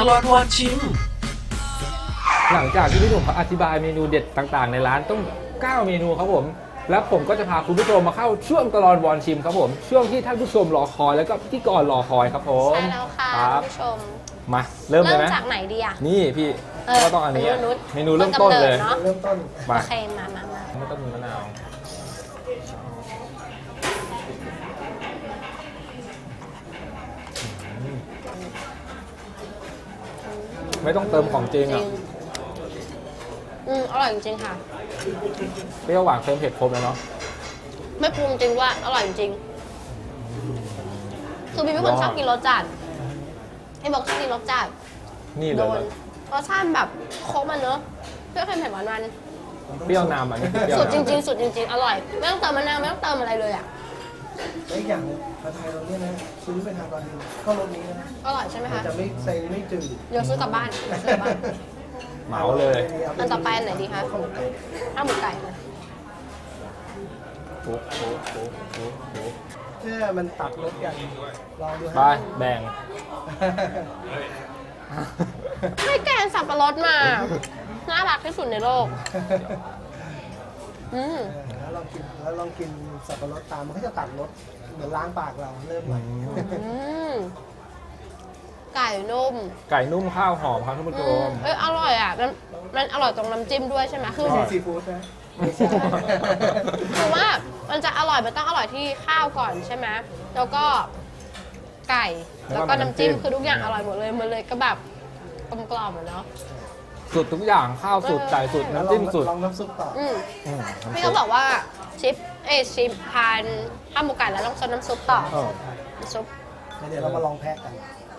ลอดวอนชิมหลังจากที่พี่หนุ่มเขาอธิบายเมนูเด็ดต่างๆในร้านต้อง9เมนูครับผมแล้วผมก็จะพาคุณผู้ชมมาเข้าช่วงตลอดวอนชิมครับผมช่วงที่ท่านผู้ชมรอคอยแล้วก็พิธีกรรอคอยครับผมใช่แล้วค่ะครับคุณผู้ชมมาเริ่มเลยไหมจากไหนดีอ่ะนี่พี่ก็ต้องอันนี้อะเมนูเริ่มต้ต้นนกำเนิดเลยเนอะเริ่มต้นมาโอเคมาไม่ต้องมีมะนาวไม่ต้องเติมของจริงจริอ่ะงอร่อยจริงๆค่ะเปรี้ยวหวานเค็มเผ็ดครบเลยเนาะไม่ปรุงจริงว่าอร่อยจริงคือพี่เป็นคนชอบกินรสจัดไอ้บอกชอบกินรสจัดนี่เลโดยนรสชาติแบบครบมันเนอะเปรี้ยวเค็มเผ็ดหวานมันเปรี้ยวนำอันนี้เปรี้ยวสุดจนำริงๆสุดจริงๆอร่อยไม่ต้องเติมมะนาวไม่ต้องเติมอะไรเลยอ่ะและอีกอย่างผัดไทยเราเนี่ยนะซื้อไปทานตอนนี้ก็รสนี้นะอร่อยใช่ไหมมันคะจะไม่ใส่ไม่จืดเดี๋ยวซื้อกลับบ้านเดี๋ยวซื้อกลับบ้านเหมาเลยอันต่อไปอันไหนดีคะข้าวหมกไก่ข้าวหมูไก่นะโอ้โหโอ้โหโอ้โหเพื่อมันตัดรสกันลองดูไปแบ่งให้แกงสับปะรดมา น่ารักที่สุดในโลกแล้วลองกินสับปะรดตามมันก็จะตัดรสเหมือนล้างปากเราเริ่มใหม่ไก่นุ่มไก่นุ่มข้าวหอมครับท่านผู้ชมอร่อยอ่ะมันอร่อยตรงน้ำจิ้มด้วยใช่ไหมคือไม่ใช่ซีฟู้ดนะไม่ใช่คือว่ามันจะอร่อยมันต้องอร่อยที่ข้าวก่อนใช่ไหมแล้วก็ไก่แล้วก็น้ำจิ้มคือทุกอย่างอร่อยหมดเลยมันเลยก็แบบกลมๆอ่ะเนาะสุดทุกอย่างข้าวสุดไก่สุดแล้วน้ำจิ้มสุดลองน้ำซุปต่อพี่เขาบอกว่าชิปทานข้าวหมูไก่แล้วต้องซดน้ำซุปต่อเออน้ำซุปเดี๋ยวเรามาลองแพ็กกัน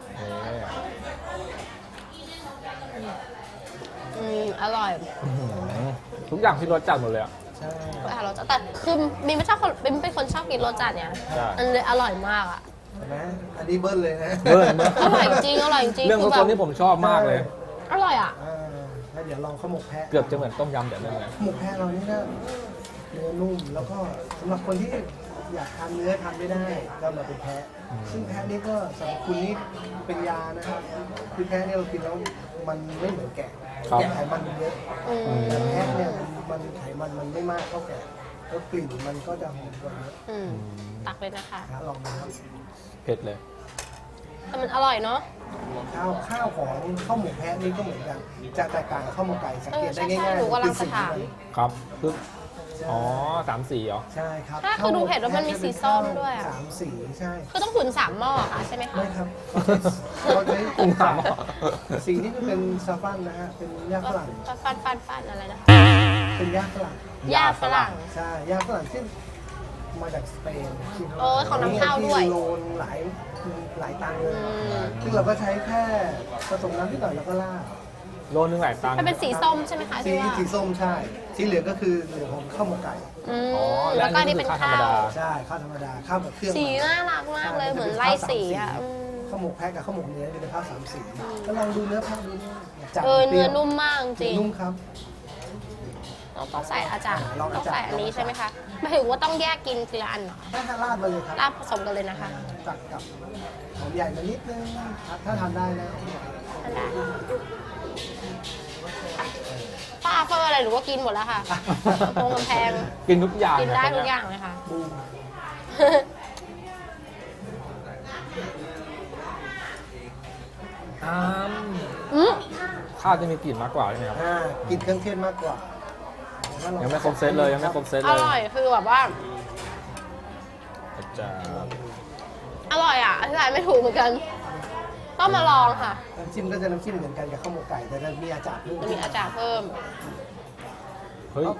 อร่อยทุกอย่างที่รสจัดหมดเลยอ่ะใช่รสจัดแต่คือมีไม่ชอบคนเป็นคนชอบกินรสจัดเนี่ยใช่มันเลยอร่อยมากอ่ะเห็นไหมอันนี้เบิ้ลเลยนะเบิ้ลเบิ้ลอร่อยจริงอร่อยจริงเรื่องคืรสแบต้บนนี่ผมชอบมากเลยอร่อยอ่ะแล้วเดี๋ยวลองข้าวหมกแพะเกือบจะเหมือนต้มยำแต่ไม่เหมือนหมกแพะเรานี่นะเนื้อนุ่มแล้วก็สำหรับคนที่อยากทานเนื้อทานไม่ได้ก็มาเป็นแพะซึ่งแพะนี่ก็สำหรับคุณนี่เป็นยานะครับคือแพะเนี่ยเรากินแล้วมันไม่เหมือนแกะแกะไขมันมันเยอะแต่แพะเนี่ยมันไขมันมันไม่มากเท่าแกะแล้วกลิ่นมันก็จะหอมกว่าเยอะตักเลยนะคะลองนะครับเผ็ดเลยแต่มันอร่อยเนาะข้าวของข้าวหมกแพะนี่ก็เหมือนกันจะแตกต่างกับข้าวหมกไก่สังเกตได้ใช่ง่ายหนูกำลังจะถามครับคืออ๋อ3 สีเหรอใช่ครับถ้าคือดูเห็นว่ามันมีสีส้มด้วยอะสามสีใช่คือต้องขุน3หม้อค่ะใช่ไหมคะไม่ครับเราใช้กุ้งสามสีนี้จะเป็นซาฟันนะฮะเป็นหญ้าฝรั่งฟันอะไรนะเป็นหญ้าฝรั่งหญ้าฝรั่งใช่หญ้าฝรั่งที่มาจากสเปนโอ้ยของน้ำข้าวด้วยที่โลนหลายตังค์เลยซึ่งเราก็ใช้แค่ผสมน้ำนิดหน่อยแล้วก็ราดโลนึงหลายตังค์มันเป็นสีส้มใช่ไหมคะสีที่ว่าสีส้มใช่สีเหลืองก็คือเหลืองของข้าวหมกไก่อ๋อแล้วก็อันนี่เป็นธรรข้าม วดาใช่ข้าวธรรมดาข้าวแบบเครื่องสีน่ารักมากเลยเหมือนไล่สีอ่ะข้าวหมกแพะกับข้าวหมกเนื้อจะเป็นข้าวสามสีก็ลองดูเนื้อแพะดูจัดเนื้อนุ่มมากจริงนุ่มครับเราต้องใส่อาจารย์ลองต้อาองจารย์ใส่อันนี้ใช่ไหไหมคะหมายถึงว่าต้องแยกกินทีละอันเหรอถ้าราดมาเลยครับราดผสมกันเลยนะคะตัดกับหอมใหญ่มานิดนึงถ้าทานได้นะอันใดป้าเฟอร์อะไรหรือว่ากินหมดแล้วค่ะโปงกำแพงกินทุกอย่างกินได้ะทุกอย่างเลยค่ะบูมอ้ามอืมข้าวจะมีกลิ่นมากกว่าใช่ไหมครับกินเครื่องเทศมากกว่ายังไม่ครบเซตเลยยังไม่ครบเซตอเลยร่อยคือแบบว่าจะอร่อยอ่ะอธิบายไม่ถูกเหมือนกัน ต้องมาลองค่ะน้ำจิ้มก็จะน้ำจิ้มเหมือนกันกับข้าวหมกไก่แต่จะมีอาจารย์ด้วยจะมีอาจารย์เพิ่มเฮ้ย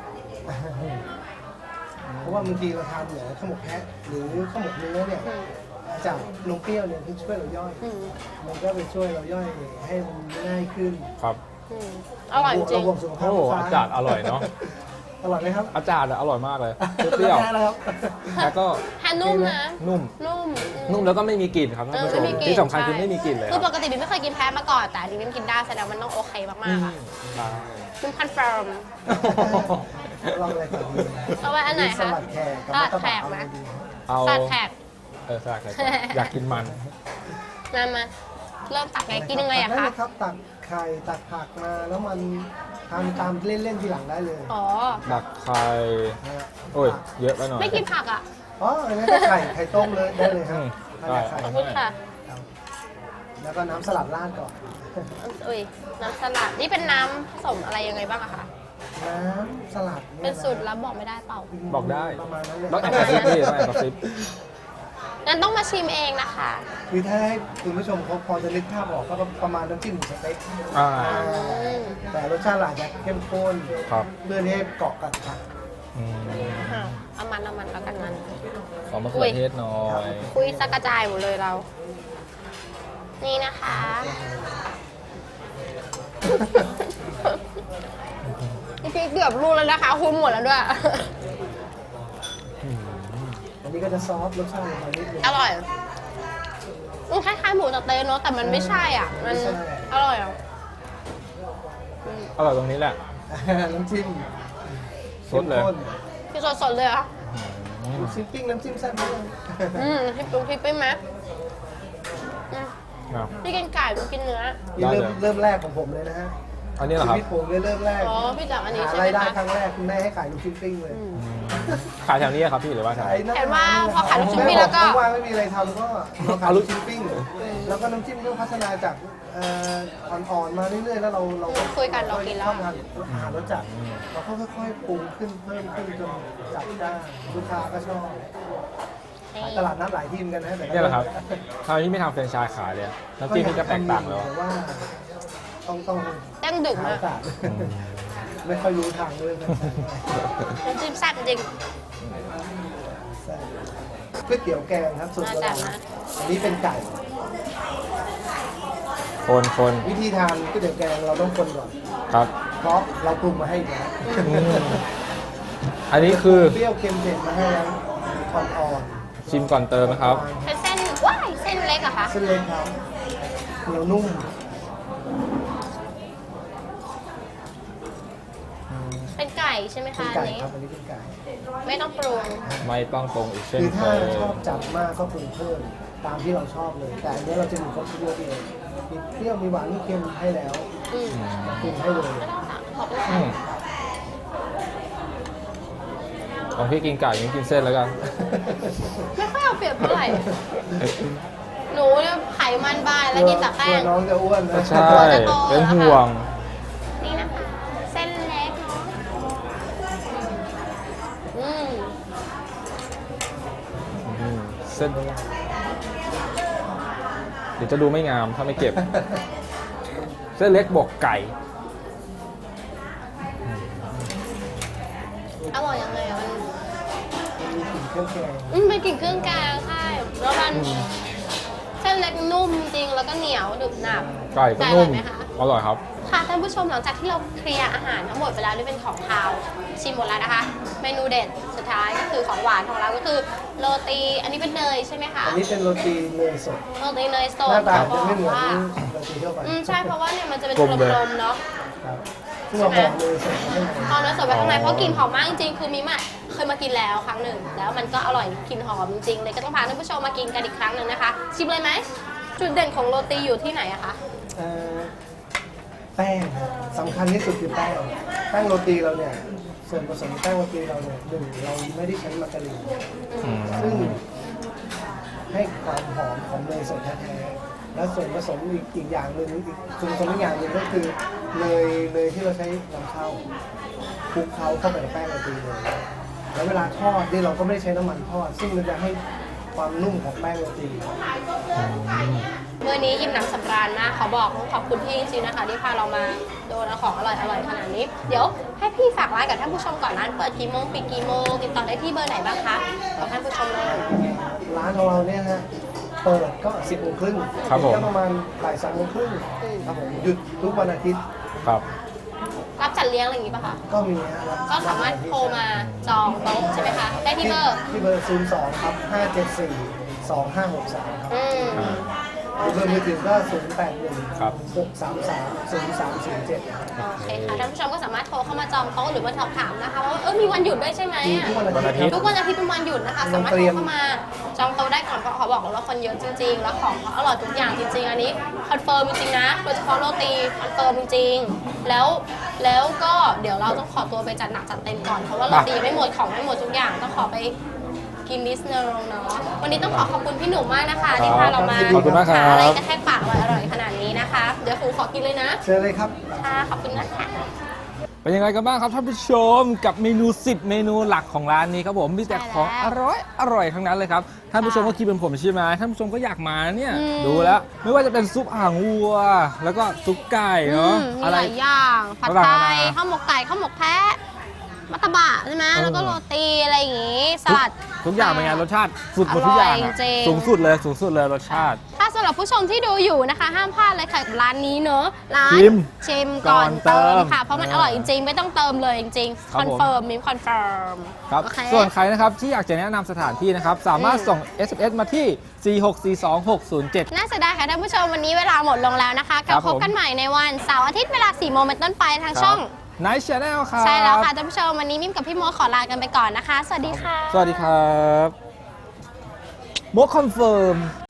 เพราะว่าบางทีเราทานเหนือข้าวหมกแพะหรือข้าวหมกเนื้อเนี่ยอาจารย์นมเปรี้ยวเนี่ยที่ช่วยเราย่อย มันก็ไปช่วยเราย่อยให้มันง่ายขึ้นครับอร่อยจริงระบบสุขภาพโอ้อาจารย์อร่อยเนาะอร่อยไหมครับอาจารย์อะอร่อยมากเลยเปรี้ยวแพ้แล้วครับๆแล้วก็แฮนนุ่มนะนุ่มนุ่มนุ่มแล้วก็ไม่มีกลิ่นครับท่านผู้ชมไม่มีกลิ่นที่สำคัญคือไม่มีกลิ่นเลยคคืรัอบ ปกติบิ๊มไม่เคยกินแพ้มาก่อน แต่อันนี้บิ๊มกินได้แสดงว่ามันต้องโอเคมากๆอ่ะใช่บิ๊มคอนเฟิร์มลองอะไรก่อนดีเอาไว้อันไหนสคะลัดแขกกับสลัดมัตตแขบะกเอาไหมอะไรดีเอาสลัดแขกสลัดแขกอยากกินมันมาเริ่มตักไงกินยังไงอะตักด้คะเลยครับตักไข่ตักผักมาแล้วมันทานตามเล่นๆทีหลังได้เลยอ๋อดักไข่นะฮะโอ้ย เยอะไปหน่อยไม่กินผักอะอ๋ออันนี้ก็ไข่ต้มเลยได้เลยครับได้ไข่ขอบคุณค่ะครับแล้วก็น้ำสลัดราดก่อนอุ้ยน้ำสลัดนี่เป็นน้ำผสมอะไรยังไงบ้างอะคะน้ำสลัดเป็นสูตรลับบอกไม่ได้เปล่าบอกได้ประมาณนั้นเลยต้องแอบกระซิบพี่ต้องแอบกระซิบงั้นต้องมาชิมเองนะคะคือถ้าให้คุณผู้ชมเขาพอจะนึกภาพออกก็ประมาณน้ำจิ้มหมูสเต็กอ่าแต่รสชาติอาจจะเข้มข้นครับเพื่อที่ให้เกาะกับผักอืมเอามันแล้วกันมันขอมะเขือเทศหน่อยคุยสักกระจายหมดเลยเรา นี่นะคะจริงๆเกือบรู้แล้วนะคะ คุณหมดแล้วด้วยอันนี้ก็จะซอฟต์รสชาติของมันนิดนึงอร่อยมันคล้ายๆหมูสะเต๊ะเนาะ แต่มันไม่ใช่อ่ะ มันไม่ใช่อร่อยอ่ะอร่อยตรงนี้แหละน้ำจิ้มสดเลยข้มข้นคือสดๆเลยเหรอ่ะลูกชิ้นปิ้งน้ำจิ้มแซ่บมากพี่ปรุงพริกไปไหมอืมอ่ะพี่กินไก่พี่กินเนื้อนี่เริ่มแรกของผมเลยนะฮะอันนี้เหรอชีครับวิตผมเลยเริ่มแรกอ๋อ พี่จากอันนี้หาใช่ไหมรายได้คะครั้งแรกคุณแม่ให้ขายลูกชิ้นปิ้งเลยขายแถวนี้ครับพี่หรือว่าแถวไหนเห็นว่าพอขายลูกชิ้นปิ้งแล้วก็ว่างๆไม่มีอะไรทำก็มาขายลูกชิ้นปิ้ง แล้วก็น้ำจิ้มก็พัฒนาจากอ่อนๆมาเรื่อยๆแล้วเราคุยกันเรากินแล้วชอบทานอาหารรสจัดเราก็ค่อยๆปรุงขึ้นเพิ่มขึ้นจนจัดจ้านลูกค้าก็ชอบขายตลาดนัดหลายที่เหมือนกันนะแต่ก็เนี่ยเหรอครับทำไมพี่ไม่ทำแฟรนไชส์ขายเลยอะน้ำจิ้มพี่ก็แตกต่างแล้วแต่ว่าต้องเต้งดึกหามาโอก กาสไม่ค่อยรู้ทางด้วยนะน้ำจิ้มแซ่บจริงก๋วยเตี๋ยวแกงครับสูตรโบราณมาจากนะอันนี้เป็นไก่คนวิธีทานก๋วยเตี๋ยวแกงเราต้องคนก่อนครับเพราะเราปรุงมาให้อีกแล้วอืมอันนี้คือเปรี้ยวเค็มเผ็ดมาให้แล้วอ่อนชิมก่อนเติมนะครับเป็นเส้นว้ายเส้นเล็กเหรอะคะๆเส้นเล็กครับเหนียวนุ่มเป็นไก่ใช่ไหมเป็นคะอัไก่นนี้ครับอันนี้เป็นไก่ไม่ต้องปรุงไม่ต้องปรุงอีกเช่นคือเคถ้าย ชอบจัดมากก็ปรุงเพิ่มตามที่เราชอบเลย แต่อันนี้เราจะมีครบทุกรสเลยมีเปรี้ยวมีหวานมีเค็มให้แล้วอืมปรุงให้เลยไม่ต้องสั่งขอบคุณอืค่ะมของพี่กินไก่ยังกินเส้นแล้วกันไม่ค่อยเอาเปรียบเท่าไหร่ หนูเนี่ยไขมันบานแล้วกินแต่แป้กลังวน้องจะอ้วนนะใช่ เป็นห่วงนี่นะคะ เส้นเล็กเนาะอืมอืมเส้นเดี๋ยวจะดูไม่งามถ้าไม่เก็บ เส้นเล็กบวกไก่อร่อยยังไงอะมันมีกลิ่นเครื่องแกงเป็นกลิ่นเครื่องแกงใช่แล้วมันเส้นเล็กนุ่มจริงแล้วก็เหนียวดึบหนับไก่ก็แต่อนุ่ร่อมยไหมคะอร่อยครับค่ะท่านผู้ชมหลังจากที่เราเคลียร์อาหารทั้งหมดไปแล้วนี่เป็นของคาวชิมหมดแล้วนะคะ เมนูเด็ดสุดท้ายก็คือของหวานของเราก็คือโรตีอันนี้เป็นเนยใช่ไหมคะอันนี้เป็นโรตีเนยสดโรตีเนยสหดน้าตาเขาบจะอกไม่เหมือนว่าโรตีทั่วไปใช่เพราะว่าเนี่ยมันจะเป็นกลมเลยกลมๆเนาะครับซึ่งเราห่อเนยสดข้างในพอเนยสดไปข้างในเพราะกลิ่นหอมมากจริงๆคือมิมอะเคยมากินแล้วครั้งหนึ่งแล้วมันก็อร่อยกลิ่นหอมจริงๆเลยก็ต้องพาท่านผู้ชมมากินกันอีกครั้งหนึ่งนะคะ ชิมเลยไหมจุดเด่นของโรตีอยู่ที่ไหนอะคะแป้งครับสำคัญที่สุดคือแป้งแป้งโรตีเราเนี่ยส่วนผสมแป้งโรตีเราเนี่ยหนึ่งเราไม่ได้ใช้มาการีนอืมซึ่งให้ความหอมของเนยสดแท้ๆแล้วส่วนผสมอีกอย่างหนึ่งอีกส่วนผสมอีกอย่างหนึ่งก็คือเนยที่เราใช้นำเข้าคลุกเคล้าเข้าไปในแป้งโรตีเลยแล้วเวลาทอดเนี่ยเราก็ไม่ได้ใช้น้ำมันทอด ซึ่งมันจะให้ความนุ่มของแป้งโรตีมื้อนี้อิ่มหนำสำราญมากเขาบอกต้องขอบคุณพี่จริงๆนะคะที่พาเรามาโดนของอร่อยๆขนาดนี้ เดี๋ยวให้พี่ฝากร้านกับท่านผู้ชมก่อนร้านเปิดกี่โมงปิดกี่โมงติดต่อได้ที่เบอร์ไหนบ้างคะบอกท่านผู้ชมเลยร้านของเราเนี่ยฮะเปิดก็ 10 โมงครึ่งครับผมก็ประมาณบ่าย 3 โมงครึ่งครับผมหยุดทุกวันอาทิตย์ครับรับจัดเลี้ยงอะไรอย่างนี้ป่ะคะก็มีฮะก็สามารถโทรมาจองโต๊ะใช่ไหมคะ ได้ที่เบอร์ที่เบอร์ 02 ครับ 574 2563 ครับอืมเบอร์มือถือก็081 ครับ 633 0307 โอเคค่ะท่านผู้ชมก็สามารถโทรเข้ามาจองโต๊ะหรือว่าสอบถามนะคะว่ามีวันหยุดด้วยใช่ไหมมีอะทุกวันอาทิตย์ทุกวันอาทิตย์เป็นวันหยุดนะคะสามารถโทรเข้ามาจองโต๊ะได้ก่อนเพราะเขาบอกว่าคนเยอะจริงๆแล้วของเขาอร่อยทุกอย่างจริงๆอันนี้คอนเฟิร์มจริงๆนะโดยเฉพาะโรตีคอนเฟิร์มจริงๆแล้วก็เดี๋ยวเราต้องขอตัวไปจัดหนักจัดเต็มก่อนเพราะว่าโรตีไม่หมดของไม่หมดทุกอย่างต้องขอไปกินดิสเนอร์เนาะวันนี้ต้องขอบคุณพี่หนุ่มมากนะคะที่พาเรามาขอบคุณมากครับหอะไรกระแทกปากอร่อยๆขนาดนี้นะคะเดี๋ยวครูขอกินเลยนะเชิญเลยครับค่ะขอบคุณนะคะเป็นยังไงกันบ้างครับท่านผู้ชมกับเมนู 10 เมนูหลักของร้านนี้ครับผมมีแต่ของอร่อยทั้งนั้นเลยครับท่านผู้ชมก็คิดเป็นผมใช่ไหมท่านผู้ชมก็อยากมาเนี่ยดูแล้วไม่ว่าจะเป็นซุปอ่างวัว แล้วก็ซุปไก่เนาะมีหลายอย่างผัดไทยข้าวหมกไก่ข้าวหมกแพะมัตตบะใช่ไหมแล้วก็โรตีอะไรอย่างงี้สลัดทุกอย่างเป็นไงรสชาติสุดหมดทุกอย่างอร่อยจริงสูงสุดเลยรสชาติถ้าสำหรับผู้ชมที่ดูอยู่นะคะ ห้ามพลาดเลยค่ะกับร้านนี้เนอะร้านชิมก่อนเติก่อนเติมมค่ะ เพราะมันอร่อยจริงๆ ไม่ต้องเติมเลยจริงครัๆบคอนเฟิร์มมิมคอนเฟิร์มครับโอเคส่วนใครนะครับที่อยากจะแนะนำสถานที่นะครับสามารถส่ง SMS มาที่ 4642607 น่าเสียดายค่ะท่านผู้ชมวันนี้เวลาหมดลงแล้วนะคะกลับครับพบกันใหม่ในวันเสาร์อาทิตย์เวลา 4 โมงเป็นต้นไปทางช่อง Nice Channel ครับใช่แล้วค่ะท่านผู้ชมวันนี้มิมกับพี่โมขอลากันไปก่อนนะคะ สวัสดีค่ะสวัสดีครับโมคอนเฟิร์ม